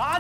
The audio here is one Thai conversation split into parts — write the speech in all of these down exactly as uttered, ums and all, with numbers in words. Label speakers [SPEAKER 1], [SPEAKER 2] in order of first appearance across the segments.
[SPEAKER 1] พัน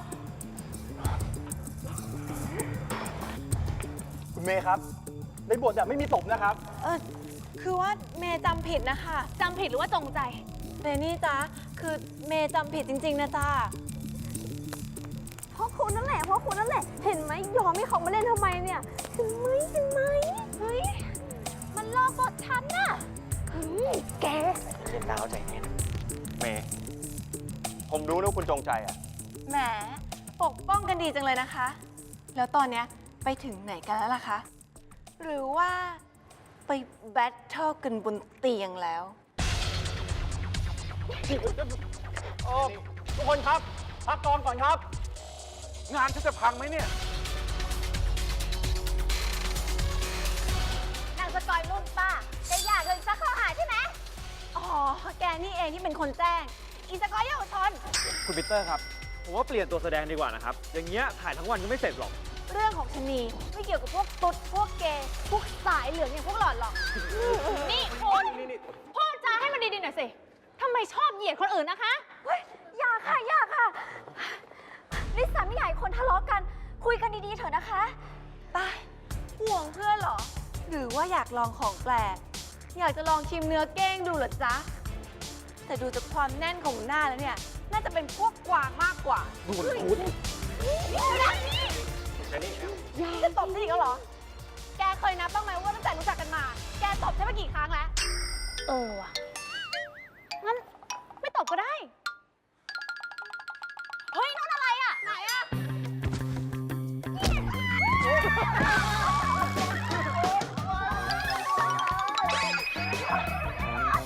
[SPEAKER 1] คุณเมย์ครับในบทอะไม่มีตบนะครับ
[SPEAKER 2] เออคือว่าเมย์จำผิดนะคะ
[SPEAKER 3] จำผิดหรือว่าจงใจ
[SPEAKER 2] เรนนี่จ๊ะคือเมย์จำผิดจริงๆนะจ๊ะ
[SPEAKER 4] เพราะคุณนั่นแหละเพราะคุณนั่นแหละเห็นไหมยอมให้เขามาเล่นทำไมเนี่ยเห็นไหมเห็นไหมเฮ้ยมันลอกบทฉันน่ะเฮ้ยแก
[SPEAKER 1] เย็นดาวใจเย็นเมย์ผมรู้นะว่าคุณจงใจอะ
[SPEAKER 2] แหมปกป้องกันดีจังเลยนะคะ แล้วตอนเนี้ยไปถึงไหนกันแล้วล่ะคะหรือว่าไปแบทเทิลกันบนเตียงแล้ว
[SPEAKER 1] โอ้ทุกคนครับพักกองก่อนครับ
[SPEAKER 5] งานฉันจะพังไหมเนี่ย
[SPEAKER 4] นางสกอยรุ่นป้าจะอยากเลยซักข้อหาใช่ไหม
[SPEAKER 2] อ๋อแกนี่เองที่เป็นคนแจ้งอีสกอยเยาวชน
[SPEAKER 5] คุณปีเตอร์ครับผมว่าเปลี่ยนตัวแสดงดีกว่านะครับอย่างเงี้ยถ่ายทั้งวันก็ไม่เสร็จหรอก
[SPEAKER 2] เรื่องของชะนีไม่เกี่ยวกับพวกตุ๊ดพวกเกย์พวกสายเหลืองอย่างพวกหลอดหรอก
[SPEAKER 3] นี่คุณพูดจาให้มันดีๆหน่อยสิทำไมชอบเหยียดคนอื่นนะคะ
[SPEAKER 4] เฮ้ยอย่าค่ะอย่าค่ะลิซ่าไม่อยากให้คนทะเลาะกันคุยกันดีๆเถอะนะคะ
[SPEAKER 2] ตายห่วงเพื่อนเหรอหรือว่าอยากลองของแปลกอยากจะลองชิมเนื้อเก้งดูเหรอจ๊ะแต่ดูจากความแน่นของหน้าแล้วเนี่ยน่าจะเป็นพวกกวางมากกว่า
[SPEAKER 1] ดูมันคุ้น
[SPEAKER 2] จะตบฉันอีกแล้วเหรอแกเคยนับบ้างไหมว่าตั้งแต่รู้จักกันมาแกตบฉันมากี่ครั้งแล้ว
[SPEAKER 3] เออว่ะงั้นไม่ตบก็ได้เฮ้ยนั่นอะไรอ่ะไหนอ่ะ